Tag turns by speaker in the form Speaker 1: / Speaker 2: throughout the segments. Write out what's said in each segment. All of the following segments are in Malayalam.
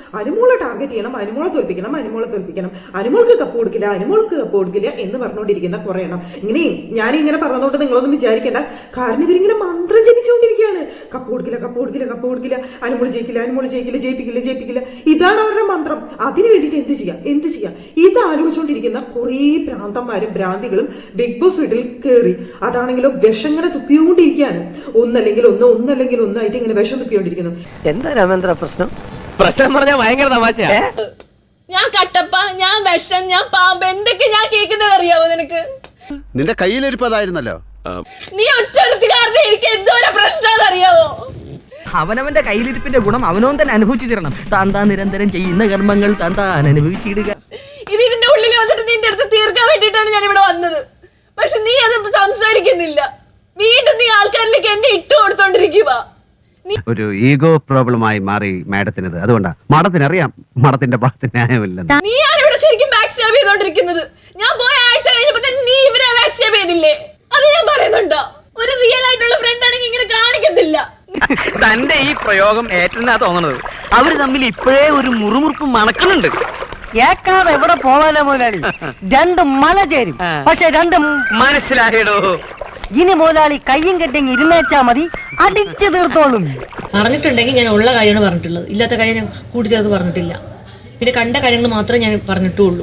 Speaker 1: അനുമോളെ ടാർഗറ്റ് ചെയ്യണം, അനുമോളെ തോൽപ്പിക്കണം, അനുമോൾക്ക് കപ്പ് കൊടുക്കില്ല എന്ന് പറഞ്ഞുകൊണ്ടിരിക്കുന്ന കുറെ എണ്ണം. ഞാനിങ്ങനെ പറഞ്ഞതുകൊണ്ട് നിങ്ങളൊന്നും വിചാരിക്കേണ്ട. കാരണം ഇവരിങ്ങനെ മന്ത്രം ജപിച്ചുകൊണ്ടിരിക്കുകയാണ്. കപ്പ് കൊടുക്കില്ല, അനുമോൾ ജയിക്കില്ല. ഇതാണ് അവരുടെ മന്ത്രം. അതിനു വേണ്ടിയിട്ട് എന്ത് ചെയ്യാം ഇത് ആലോചിച്ചുകൊണ്ടിരിക്കുന്ന കുറേ ഭ്രാന്തന്മാരും ഭ്രാന്തികളും ബിഗ് ബോസ് വീട്ടിൽ കയറി. അതാണെങ്കിലോ വിഷം ഇങ്ങനെ തുപ്പിയോണ്ടിരിക്കുകയാണ്. ഒന്നല്ലെങ്കിൽ ഒന്നായിട്ട് ഇങ്ങനെ വിഷം തുപ്പിയോണ്ടിരിക്കുന്നു.
Speaker 2: എന്താ രാമേന്ദ്ര പ്രശ്നം പറഞ്ഞാൽ ഭയങ്കര തമാശയാ.
Speaker 3: ഞാൻ കട്ടപ്പ, ഞാൻ വിഷം, ഞാൻ പാമ്പ്, എന്തൊക്കെ ഞാൻ കേൾക്കുന്നത് അറിയാവോ നിനക്ക്?
Speaker 4: നിന്റെ കയ്യിലിരിപ്പതായിരുന്നല്ലോ.
Speaker 3: നീ ഒറ്റൊരുത്തുകാരനെ എനിക്ക് എന്തോരം പ്രശ്നം അറിയാവോ?
Speaker 2: അവനവന്റെ കയ്യിലിരിപ്പിന്റെ ഗുണം അവനവൻ തന്നെ അനുഭവിച്ചു തരണം. താൻ നിരന്തരം ചെയ്യുന്ന കർമ്മങ്ങൾ താൻ അനുഭവിച്ചിടുക.
Speaker 3: ഇതിന്റെ ഉള്ളിൽ വന്നിട്ട് നിന്റെ അടുത്ത് തീർക്കാൻ വേണ്ടിയിട്ടാണ് ഞാൻ ഇവിടെ വന്നത്. പക്ഷെ നീ അത് സംസാരിക്കുന്നില്ല. വീണ്ടും നീ ആൾക്കാരിലേക്ക് എന്നെ ഇട്ടു കൊടുത്തോണ്ടിരിക്കുക.
Speaker 4: ഒരു ഈഗോ പ്രോബ്ലമായി മാറി മാഡത്തിനത്. അതുകൊണ്ടാ മാഡത്തിനറിയാം മാഡത്തിന്റെ ഭാഗത്ത് ന്യായമില്ല.
Speaker 3: നീയാണ് ഇവിടെ ശരിക്കും ബാക്ക് സ്റ്റാബ് ചെയ്തോണ്ടിരിക്കുന്നത്. ഞാൻ പോയ ആഴ്ച കഴിഞ്ഞപ്പോ തന്നെ നീ ഇവരെ ബാക്ക് സ്റ്റാബ് ചെയ്തില്ലേ? അത് ഞാൻ പറയുന്നുണ്ടോ? ഒരു റിയൽ ആയിട്ടുള്ള ഫ്രണ്ട് ആണെങ്കിൽ ഇങ്ങനെ കാണിക്കത്തില്ല.
Speaker 2: തന്റെ ഈ പ്രയോഗം ഏറ്റെന്നാ തോന്നണത്. അവര് തമ്മിൽ ഇപ്പോഴേ ഒരു മുറുമുറുപ്പ് മണക്കുന്നുണ്ട്.
Speaker 5: കേക്കാതെ എവിടെ പോവാനോ മുതലാളി? രണ്ട് മല ചേരും, പക്ഷെ രണ്ടും
Speaker 2: മനസ്സിലായടോ.
Speaker 5: ഇനി മുതലാളി കയ്യും കെട്ടിങ് ഇരുന്നേച്ചാ മതി, അടിച്ചു തീർത്തോളും.
Speaker 3: പറഞ്ഞിട്ടുണ്ടെങ്കിൽ ഞാൻ ഉള്ള കാര്യമാണ് പറഞ്ഞിട്ടുള്ളത്, ഇല്ലാത്ത കാര്യം ഞാൻ കൂട്ടിച്ചേർത്ത് പറഞ്ഞിട്ടില്ല. പിന്നെ കണ്ട കാര്യങ്ങൾ മാത്രമേ ഞാൻ പറഞ്ഞിട്ടുള്ളൂ.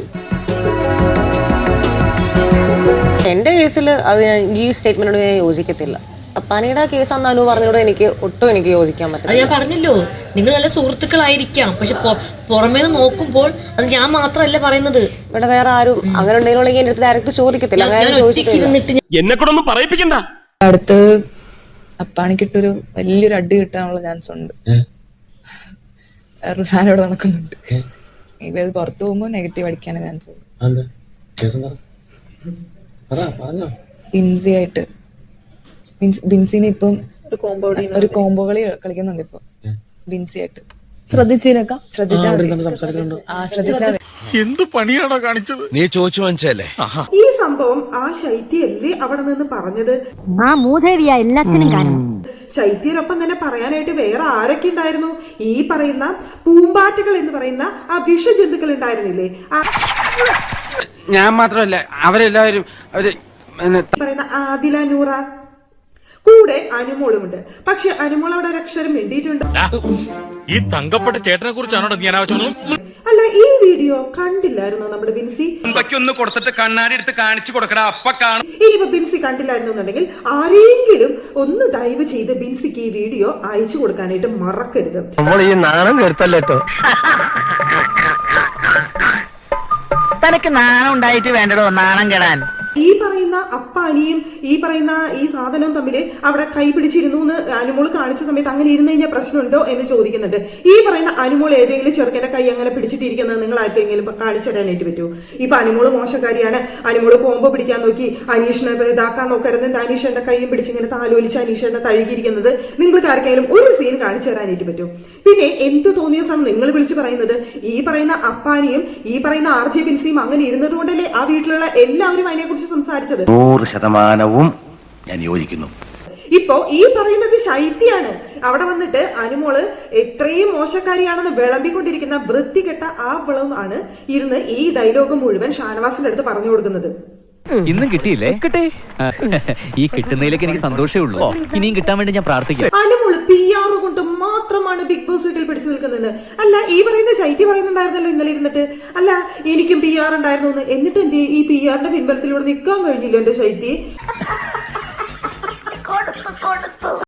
Speaker 6: എൻ്റെ കേസിൽ അത് ഈ സ്റ്റേറ്റ്മെന്റിനോട് ഞാൻ യോജിക്കത്തില്ല. പനിയുടെ കേസ് അന്ന് പറഞ്ഞോട് എനിക്ക് ഒട്ടും യോജിക്കാൻ പറ്റില്ല.
Speaker 3: അത് ഞാൻ പറഞ്ഞല്ലോ, നിങ്ങൾ നല്ല സുഹൃത്തുക്കളായിരിക്കാം, പക്ഷെ പുറമേ നോക്കുമ്പോൾ അത് ഞാൻ മാത്രമല്ല പറയുന്നത്.
Speaker 6: ഇവിടെ വേറെ ആരും അങ്ങനെ ഉണ്ടെങ്കിൽ എന്റെ അടുത്ത് ഡയറക്റ്റ് ചോദിക്കത്തില്ല.
Speaker 7: എന്നെ കൂടെ ഒന്നും പറയിപ്പിക്കണ്ട.
Speaker 8: അടുത്ത് അപ്പാണിക്കിട്ടൊരു വലിയൊരു അടി കിട്ടാനുള്ള ചാൻസ് ഉണ്ട്. വേറൊരു സാധനം ഇവിടെ നടക്കുന്നുണ്ട്. ഇവ അത് പുറത്തു പോകുമ്പോൾ നെഗറ്റീവ് അടിക്കാൻ ചാൻസ് ഉണ്ട്. ബിൻസി ആയിട്ട് ബിൻസിനെ ഇപ്പം ഒരു കോംബോ കളി കളിക്കുന്നുണ്ട് ഇപ്പൊ ബിൻസി ആയിട്ട്.
Speaker 7: എന്ത് പണിയാണോ കാണിച്ചത്? നീ ചോദിച്ചു വാങ്ങിച്ചല്ലേ
Speaker 1: ഈ സംഭവം ആ ശൈത്യല്ലേ അവിടെ നിന്ന് പറഞ്ഞത്?
Speaker 5: ആ മൂദേവിയ എല്ലാത്തിനും കാരണം.
Speaker 1: ശൈത്യനൊപ്പം തന്നെ പറയാനായിട്ട് വേറെ ആരൊക്കെ ഉണ്ടായിരുന്നു? ഈ പറയുന്ന പൂമ്പാറ്റകൾ എന്ന് പറയുന്ന ആ വിഷജന്തുക്കൾ ഉണ്ടായിരുന്നില്ലേ?
Speaker 2: ഞാൻ മാത്രമല്ല, അവരെല്ലാവരും
Speaker 1: പറയുന്ന ആദില, നൂറ, കൂടെ അനുമോളുമുണ്ട്. പക്ഷെ അനുമോൾ അവിടെ ഒരു അക്ഷരം മിണ്ടിയിട്ടുണ്ട്.
Speaker 7: ഈ തങ്കപ്പെട്ട ചേട്ടനെ കുറിച്ചാണോ ഞാൻ
Speaker 1: അല്ല, ഈ വീഡിയോ കണ്ടില്ലായിരുന്നോ നമ്മുടെ ബിൻസി?
Speaker 2: ഒന്ന് കൊടുത്തിട്ട് കണ്ണാടി എടുത്ത് കാണിച്ചു കൊടുക്കടാ, അപ്പ കാണും.
Speaker 1: ഇനിയിപ്പോ ബിൻസി കണ്ടില്ലായിരുന്നു എന്നുണ്ടെങ്കിൽ ആരെങ്കിലും ഒന്ന് ദയവ് ചെയ്ത് ബിൻസിക്ക് ഈ വീഡിയോ അയച്ചു കൊടുക്കാനായിട്ട് മറക്കരുത്.
Speaker 2: നമ്മൾ ഈ നാണം കേട്ടല്ലോ. തനക്ക് നാണം ഉണ്ടായിട്ട് വേണ്ടടോ നാണം കെടാൻ.
Speaker 1: ഈ പറയുന്ന അപ്പാനിയും ഈ പറയുന്ന ഈ സാധനവും തമ്മിൽ അവിടെ കൈ പിടിച്ചിരുന്നു എന്ന് അനുമോൾ കാണിച്ച സമയത്ത് അങ്ങനെ ഇരുന്ന് കഴിഞ്ഞാൽ പ്രശ്നമുണ്ടോ എന്ന് ചോദിക്കുന്നുണ്ട്. ഈ പറയുന്ന അനുമോൾ ഏതെങ്കിലും ചെറുക്കന്റെ കൈ അങ്ങനെ പിടിച്ചിട്ടിരിക്കുന്നത് നിങ്ങൾ ആർക്കെങ്കിലും കാണിച്ചു തരാനായിട്ട് പറ്റുമോ? ഇപ്പൊ അനുമോള് മോശക്കാരിയാണ്, അനുമോള് കോമ്പോ പിടിക്കാൻ നോക്കി അനീഷിനെ ഇതാക്കാൻ നോക്കരുത്, അനീഷന്റെ കൈയും പിടിച്ചിങ്ങനെ താലോലിച്ച് അനീഷന്റെ തഴുകിയിരിക്കുന്നത് നിങ്ങൾക്ക് ആർക്കെങ്കിലും ഒരു സീൻ കാണിച്ചു തരാനായിട്ട് പറ്റുമോ? പിന്നെ എന്ത് തോന്നിയ സമയം നിങ്ങൾ വിളിച്ച് പറയുന്നത് ഈ പറയുന്ന അപ്പാനിയും ഈ പറയുന്ന RJ ബിൻസിയും അങ്ങനെ ഇരുന്നത് കൊണ്ടല്ലേ ആ വീട്ടിലുള്ള എല്ലാവരും അതിനെക്കുറിച്ച് സംസാരിച്ചത്?
Speaker 7: 100% ഞാൻ യോജിക്കുന്നു.
Speaker 1: ഇപ്പോ ഈ പറയുന്നത് ശൈത്യാണ് അവിടെ വന്നിട്ട് അനുമോള് എത്രയും മോശക്കാരിയാണെന്ന് വിളമ്പിക്കൊണ്ടിരിക്കുന്ന വൃത്തികെട്ട ആ വിളം ആണ് ഇരുന്ന് ഈ ഡയലോഗ് മുഴുവൻ ഷാനവാസിന്റെ അടുത്ത് പറഞ്ഞു കൊടുക്കുന്നത്.
Speaker 9: ഇന്നും കിട്ടിയില്ലേ? കിട്ടി. ഈ കിട്ടുന്നതിലേക്ക് എനിക്ക് സന്തോഷമേ ഉള്ളൂ. ഇനിയും കിട്ടാൻ വേണ്ടി ഞാൻ പ്രാർത്ഥിക്കാം.
Speaker 1: അനുമോള് PR കൊണ്ട് മാത്രമാണ് ബിഗ് ബോസ് വീട്ടിൽ പിടിച്ചു നിൽക്കുന്നത്. അല്ല, ഈ പറയുന്ന ശൈത്യ പറയുന്നുണ്ടായിരുന്നല്ലോ ഇന്നലെ ഇരുന്നിട്ട്, അല്ല എനിക്കും PR ഉണ്ടായിരുന്നു എന്ന്. എന്നിട്ട് എന്തേ ഈ PRന്റെ പിൻബലത്തിലൂടെ നിൽക്കാൻ കഴിഞ്ഞില്ല എന്റെ ശൈത്യ?